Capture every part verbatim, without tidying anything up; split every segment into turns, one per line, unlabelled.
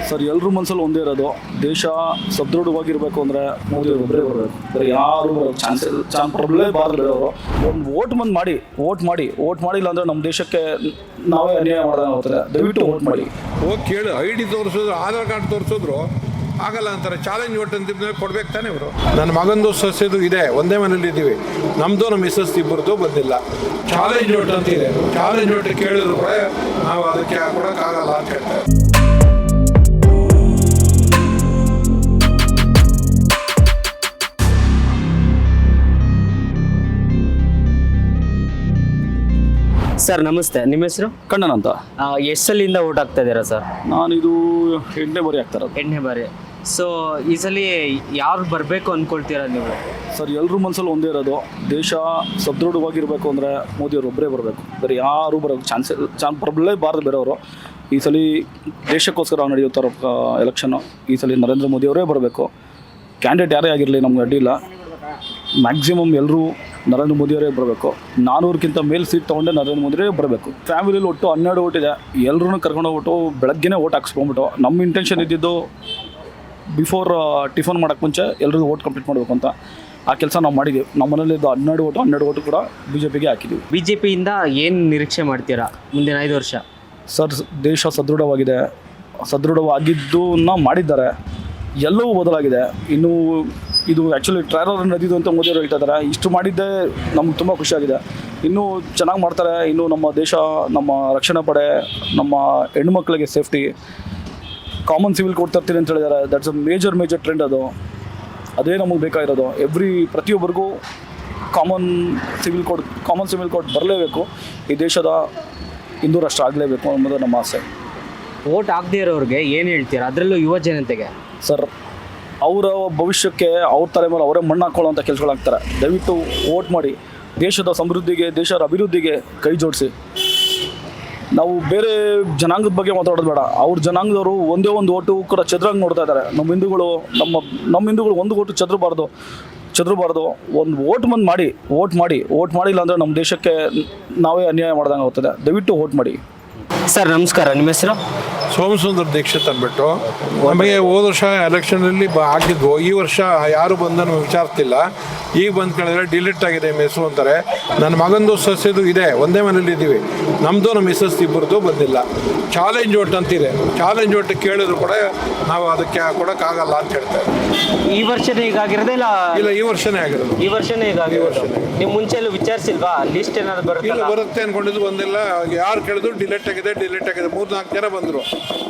Sir ಎಲ್ಲರೂ ಮನಸ್ಸಲ್ಲಿ ಒಂದೇ ಇರೋದು, ದೇಶ ಸದೃಢವಾಗಿರಬೇಕು ಅಂದರೆ ಮೋದಿ ಒಬ್ಬರೇ ಬರಬೇಕು. ಬೇರೆ ಯಾರು ಚಾನ್ಸ್ ಚಾನ್ಸ್ ಪ್ರಾಬ್ಲೇ ಬಾರದು. ಒಂದು ವೋಟ್ ಬಂದು ಮಾಡಿ ವೋಟ್ ಮಾಡಿ ವೋಟ್ ಮಾಡಿಲ್ಲ ಅಂದರೆ ನಮ್ಮ ದೇಶಕ್ಕೆ ನಾವೇ ಅನ್ಯಾಯ ಮಾಡೋದಂಗೆ ಹೋಗ್ತದೆ. ದಯವಿಟ್ಟು ವೋಟ್ ಮಾಡಿ.
ಹೋಗಿ ಕೇಳು, ಐ ಡಿ ತೋರಿಸಿದ್ರು, ಆಧಾರ್ ಕಾರ್ಡ್ ತೋರಿಸಿದ್ರು ಆಗಲ್ಲ ಅಂತಾರೆ. ಚಾಲೆಂಜ್ ವೋಟ್ ಅಂತ ಕೊಡ್ಬೇಕು ತಾನೇ ಇವರು. ನನ್ನ ಮಗಂದು ಸಸ್ಯದು ಇದೆ, ಒಂದೇ ಮನೇಲಿ ಇದ್ದೀವಿ, ನಮ್ಮದು ನಮ್ಮ ಮಿಸಸ್ ಇಬ್ಬರದು ಬಂದಿಲ್ಲ. ಚಾಲೆಂಜ್ ವೋಟ್ ಅಂತ ಇದೆ, ಚಾಲೆಂಜ್ ವೋಟ್ ಕೇಳಿದ್ರು ಕೂಡ ನಾವು ಅದಕ್ಕೆ ಕೊಡೋಕ್ಕಾಗಲ್ಲ ಅಂತ ಹೇಳ್ತಾರೆ.
ಸರ್ ನಮಸ್ತೆ, ನಿಮ್ಮ ಹೆಸರು?
ಕಣ್ಣನ್ ಅಂತ.
ಎಷ್ಟು ಸಲಿಂದ ಓಟ್ ಹಾಕ್ತಾ ಇದ್ದೀರಾ ಸರ್?
ನಾನಿದು ಎಂಟನೇ ಬಾರಿ ಆಗ್ತಾ ಇರೋದು.
ಎಂಟನೇ ಬಾರಿ. ಸೊ ಈ ಸಲ ಯಾರು ಬರಬೇಕು ಅಂದ್ಕೊಳ್ತೀರಾ ನೀವು?
ಸರ್ ಎಲ್ಲರೂ ಮನಸ್ಸಲ್ಲಿ ಒಂದೇ ಇರೋದು, ದೇಶ ಸದೃಢವಾಗಿರಬೇಕು ಅಂದರೆ ಮೋದಿಯವರು ಒಬ್ಬರೇ ಬರಬೇಕು. ಬೇರೆ ಯಾರು ಬರೋಕ್ಕೆ ಚಾನ್ಸ್ ಚಾನ್ಸ್ ಪ್ರಾಬ್ಲೇ ಬಾರದು ಬೇರೆಯವರು. ಈ ಸಲ ದೇಶಕ್ಕೋಸ್ಕರ ನಡೆಯುತ್ತಾರೋ ಎಲೆಕ್ಷನ್ನು, ಈ ಸಲ ನರೇಂದ್ರ ಮೋದಿಯವರೇ ಬರಬೇಕು. ಕ್ಯಾಂಡಿಡೇಟ್ ಯಾರೇ ಆಗಿರಲಿ ನಮ್ಗೆ ಅಡ್ಡಿಲ್ಲ. ಮ್ಯಾಕ್ಸಿಮಮ್ ಎಲ್ಲರೂ ನರೇಂದ್ರ ಮೋದಿಯವರೇ ಬರಬೇಕು. ನಾನ್ನೂರಕ್ಕಿಂತ ಮೇಲೆ ಸೀಟ್ ತೊಗೊಂಡೆ ನರೇಂದ್ರ ಮೋದಿಯವರೇ ಬರಬೇಕು. ಫ್ಯಾಮಿಲಿಲಿ ಒಟ್ಟು ಹನ್ನೆರಡು ಓಟ್ ಇದೆ. ಎಲ್ಲರೂ ಕರ್ಕೊಂಡೋಗ್ಬಿಟ್ಟು ಬೆಳಗ್ಗೆನೇ ಓಟ್ ಹಾಕ್ಸ್ಕೊಂಬಿಟ್ಟು, ನಮ್ಮ ಇಂಟೆನ್ಷನ್ ಇದ್ದಿದ್ದು ಬಿಫೋರ್ ಟಿಫನ್ ಮಾಡೋಕ್ಕೆ ಮುಂಚೆ ಎಲ್ರಿಗೂ ಓಟ್ ಕಂಪ್ಲೀಟ್ ಮಾಡಬೇಕು ಅಂತ. ಆ ಕೆಲಸ ನಾವು ಮಾಡಿದ್ದೀವಿ. ನಮ್ಮ ಮನೇಲಿದ್ದು ಹನ್ನೆರಡು ಓಟು ಹನ್ನೆರಡು ಓಟು ಕೂಡ ಬಿ ಜೆ ಪಿಗೆ ಹಾಕಿದ್ದೀವಿ.
ಬಿ ಜೆ ಪಿಯಿಂದ ಏನು ನಿರೀಕ್ಷೆ ಮಾಡ್ತೀರಾ ಮುಂದಿನ ಐದು ವರ್ಷ?
ಸರ್ ದೇಶ ಸದೃಢವಾಗಿದೆ, ಸದೃಢವಾಗಿದ್ದನ್ನ ಮಾಡಿದ್ದಾರೆ, ಎಲ್ಲವೂ ಬದಲಾಗಿದೆ. ಇನ್ನು ಇದು ಆ್ಯಕ್ಚುಲಿ ಟ್ರಯಲ್ ನಡೆದಿದ್ದು ಅಂತ ಮೋದಿಯವರು ಹೇಳ್ತಾ ಇದ್ದಾರೆ. ಇಷ್ಟು ಮಾಡಿದ್ದೇ ನಮ್ಗೆ ತುಂಬ ಖುಷಿಯಾಗಿದೆ. ಇನ್ನೂ ಚೆನ್ನಾಗಿ ಮಾಡ್ತಾರೆ. ಇನ್ನು ನಮ್ಮ ದೇಶ, ನಮ್ಮ ರಕ್ಷಣಾ ಪಡೆ, ನಮ್ಮ ಹೆಣ್ಮಕ್ಳಿಗೆ ಸೇಫ್ಟಿ, ಕಾಮನ್ ಸಿವಿಲ್ ಕೋಡ್ ತರ್ತೀನಿ ಅಂತ ಹೇಳಿದ್ದಾರೆ. That's a major major trend. ಅದು ಅದೇ ನಮಗೆ ಬೇಕಾಗಿರೋದು. ಎವ್ರಿ ಪ್ರತಿಯೊಬ್ಬರಿಗೂ common civil code common civil code ಬರಲೇಬೇಕು. ಈ ದೇಶದ ಹಿಂದೂ ರಾಷ್ಟ್ರ ಆಗಲೇಬೇಕು ಅನ್ನೋದು ನಮ್ಮ ಆಸೆ.
ಓಟ್ ಆಗದೇ ಇರೋರಿಗೆ ಏನು ಹೇಳ್ತೀರಾ, ಅದರಲ್ಲೂ ಯುವ ಜನತೆಗೆ?
ಸರ್ ಅವರ ಭವಿಷ್ಯಕ್ಕೆ ಅವ್ರ ತಲೆ ಮೇಲೆ ಅವರೇ ಮಣ್ಣು ಹಾಕೊಳ್ಳೋಂಥ ಕೆಲಸಗಳಾಗ್ತಾರೆ. ದಯವಿಟ್ಟು ವೋಟ್ ಮಾಡಿ. ದೇಶದ ಸಮೃದ್ಧಿಗೆ, ದೇಶದ ಅಭಿವೃದ್ಧಿಗೆ ಕೈ ಜೋಡಿಸಿ. ನಾವು ಬೇರೆ ಜನಾಂಗದ ಬಗ್ಗೆ ಮಾತಾಡೋದು ಬೇಡ. ಅವ್ರ ಜನಾಂಗದವರು ಒಂದೇ ಒಂದು ಓಟು ಕೂಡ ಚದುರಂಗೆ ನೋಡ್ತಾ ಇದ್ದಾರೆ. ನಮ್ಮ ಹಿಂದೂಗಳು ನಮ್ಮ ನಮ್ಮ ಹಿಂದೂಗಳು ಒಂದು ಓಟು ಚದುರಬಾರ್ದು ಚದುರಬಾರ್ದು ಒಂದು ವೋಟ್ ಬಂದು ಮಾಡಿ ವೋಟ್ ಮಾಡಿ ವೋಟ್ ಮಾಡಿಲ್ಲ ಅಂದರೆ ನಮ್ಮ ದೇಶಕ್ಕೆ ನಾವೇ ಅನ್ಯಾಯ ಮಾಡ್ದಂಗೆ ಹೋಗ್ತದೆ. ದಯವಿಟ್ಟು ವೋಟ್ ಮಾಡಿ.
ಸರ್ ನಮಸ್ಕಾರ, ನಿಮ್ಮ ಹೆಸರು?
ಸೋಮಸುಂದರ ದೀಕ್ಷಿತ್ ಅಂದ್ಬಿಟ್ಟು. ನಮಗೆ ಹೋದ ವರ್ಷ ಎಲೆಕ್ಷನಲ್ಲಿ ಬ ಆಗಿದ್ವು. ಈ ವರ್ಷ ಯಾರು ಬಂದು ನಮಗೆ ವಿಚಾರಿಸ್ತಿಲ್ಲ. ಈಗ ಬಂದು ಕೇಳಿದ್ರೆ ಡಿಲೀಟ್ ಆಗಿದೆ ನಿಮ್ಮ ಹೆಸರು ಅಂತಾರೆ. ನನ್ನ ಮಗಂದು ಸಸ್ಯದು ಇದೆ, ಒಂದೇ ಮನೇಲಿ ಇದ್ದೀವಿ, ನಮ್ಮದು ನಮ್ಮ ಮಿಸಸ್ ಇಬ್ಬರದು ಬಂದಿಲ್ಲ. ಚಾಲೆಂಜ್ ವೋಟ್ ಅಂತಿದೆ, ಚಾಲೆಂಜ್ ವೋಟ್ ಕೇಳಿದ್ರು ಕೂಡ ನಾವು ಅದಕ್ಕೆ ಕೊಡೋಕ್ಕಾಗಲ್ಲ ಅಂತ ಹೇಳ್ತಾರೆ.
ಈ ವರ್ಷನೇ ಹೀಗಾಗಿರೋದೇ ಇಲ್ಲ?
ಇಲ್ಲ, ಈ ವರ್ಷನೇ ಆಗಿರೋದು.
ಈ ವರ್ಷನೇ ಹೀಗಾಗಿರೋದು. ನೀವು ಮುಂಚೆಲ್ಲೂ ವಿಚಾರಿಸಿಲ್ವಾ? ಲಿಸ್ಟ್ ಏನಾದ್ರು ಬರುತ್ತೆ?
ಇಲ್ಲ, ಬರುತ್ತೆ ಅಂದ್ಕೊಂಡಿದ್ದು ಬಂದಿಲ್ಲ. ಯಾರು ಕೇಳಿದ್ರು ಡಿಲೀಟ್ ಆಗಿದೆ ಡಿಲೀಟ್ ಆಗಿದೆ. ಮೂರು ನಾಲ್ಕು ಜನ ಬಂದರು.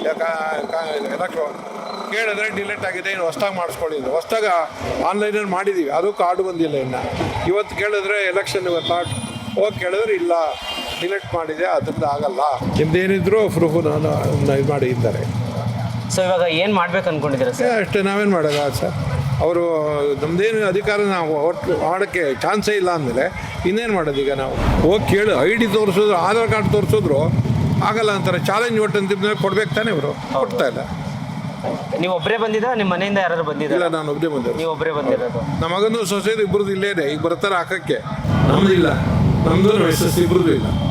ಯಾಕೆ ಕೇಳಿದ್ರೆ ಡಿಲೀಟ್ ಆಗಿದೆ, ಇನ್ನು ಹೊಸ್ದಾಗಿ ಮಾಡಿಸ್ಕೊಂಡಿದ್ದು. ಹೊಸ್ದಾಗ ಆನ್ಲೈನಲ್ಲಿ ಮಾಡಿದ್ದೀವಿ, ಅದು ಕಾರ್ಡು ಬಂದಿಲ್ಲ ಇನ್ನು. ಇವತ್ತು ಕೇಳಿದ್ರೆ ಎಲೆಕ್ಷನ್ ಇವತ್ತು ಹೋಗಿ ಕೇಳಿದ್ರೆ ಇಲ್ಲ ಡಿಲೀಟ್ ಮಾಡಿದೆ, ಅದರಿಂದ ಆಗಲ್ಲ, ನಿಮ್ದೇನಿದ್ರು ಪ್ರೂಫು ನಾನು ಇದು ಮಾಡಿದ್ದಾರೆ.
ಸೊ ಇವಾಗ ಏನು ಮಾಡ್ಬೇಕು ಅಂದ್ಕೊಂಡಿದ್ದೀರಾ ಸರ್?
ಅಷ್ಟೇ, ನಾವೇನು ಮಾಡೋಲ್ಲ ಸರ್. ಅವರು ನಮ್ಮದೇನು ಅಧಿಕಾರ ನಾವು ಒಟ್ಟು ಮಾಡೋಕ್ಕೆ ಚಾನ್ಸೇ ಇಲ್ಲ ಅಂದಮೇಲೆ ಇನ್ನೇನು ಮಾಡೋದು? ಈಗ ನಾವು ಹೋಗಿ ಕೇಳು, ಐ ಡಿ ತೋರಿಸಿದ್ರು, ಆಧಾರ್ ಕಾರ್ಡ್ ತೋರಿಸಿದ್ರು ಆಗಲ್ಲ ಅಂತಾರೆ. ಚಾಲೆಂಜ್ ವೋಟ್ ಅಂತ ಕೊಡ್ಬೇಕು ತಾನೇ ಇವರು. ಕೊಡ್ತಾ ಇಲ್ಲ.
ನೀವು ಒಬ್ಬರೇ ಬಂದಿದ್ದ, ನಿಮ್ಮ ಮನೆಯಿಂದ ಯಾರು ಬಂದಿದ್ದ?
ಇಲ್ಲ, ನಾನು ಒಬ್ಬರೇ ಬಂದಿರೋದು.
ನೀವು ಒಬ್ಬರೇ ಬಂದಿರೋದು?
ನಮ್ಮ ಮಗನೂ ಸೊಸೈಟಿ ಇಬ್ಬರದ್ದು ಇಲ್ಲೇ ಇದೆ. ಈಗ ಬರ್ತಾರೆ ಹಾಕಕ್ಕೆ. ನಮ್ಮದಿಲ್ಲ, ನಮ್ಮದು ನಮ್ಮ ಎಸ್ ಎಸ್ ಇಬ್ಬರದ್ದು ಇಲ್ಲ.